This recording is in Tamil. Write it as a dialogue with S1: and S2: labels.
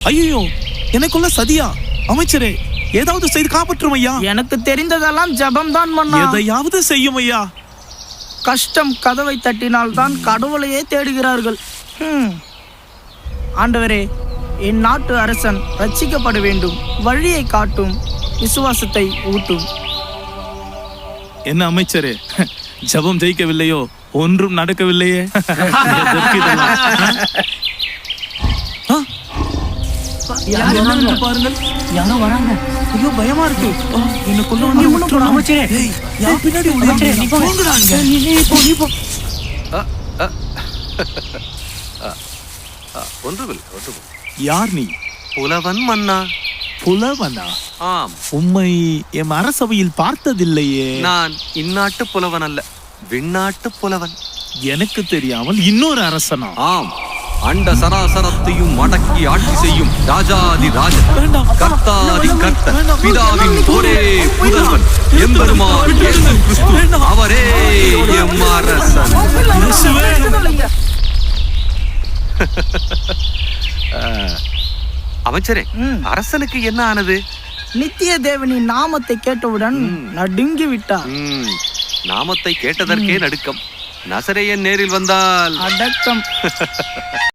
S1: ஐயோ, எனக்குள்ள சதியா? அமைச்சரே, ஏதாவது செய்து காப்பாற்றும் ஐயா.
S2: எனக்கு தெரிந்ததெல்லாம் ஜபம்தான் மன்னா.
S1: எதையாவது செய்யும் ஐயா.
S2: கஷ்டம் கதவை தட்டினால்தான் கடவுளையே தேடுகிறார்கள். ஆண்டவரே, என் நாட்டு அரசன் ரட்சிக்கப்பட வேண்டும். வழியை காட்டும், விசுவாசத்தை ஊட்டும்.
S1: என்ன அமைச்சரே, ஜபம் ஜெயிக்கவில்லையோ? ஒன்றும் நடக்கவில்லையே. பாருங்கள்,
S2: யாரோ வராங்க.
S1: ஐயோ, பயமா இருக்கு. எனக்குள்ள
S2: அமைச்சரே,
S1: பின்னாடி
S3: ஒன்றுமில்லை.
S1: யார் நீ?
S3: புலவன் மன்னா.
S1: புலவனா?
S3: ஆம்.
S1: உம்மை எம் அரசவையில் பார்த்ததில்லையே.
S3: நான் இந்நாட்டு புலவன் அல்ல, விண்ணாட்டு புலவன்.
S1: எனக்கு தெரியாமல் இன்னொரு அரசனா?
S3: ஆம், அண்ட சராசரத்தையும் அடக்கி ஆட்சி செய்யும் ராஜாதி ராஜன்,
S1: வேண்டாம்.
S3: கர்த்தாதி கர்த்தர்,
S1: வேண்டாம்.
S3: பிதாவின் ஒரே புதல்வன், எம்பெருமான் இயேசு கிறிஸ்து, அவரே எம் அரசன். அமைச்சரே, அரசனுக்கு என்ன ஆனது?
S2: நித்திய தேவனின் நாமத்தை கேட்டவுடன் நடுங்கி விட்டார்.
S3: நாமத்தை கேட்டதற்கே நடுக்கம். நசரேயன் நேரில் வந்தால்
S2: அடக்கம்.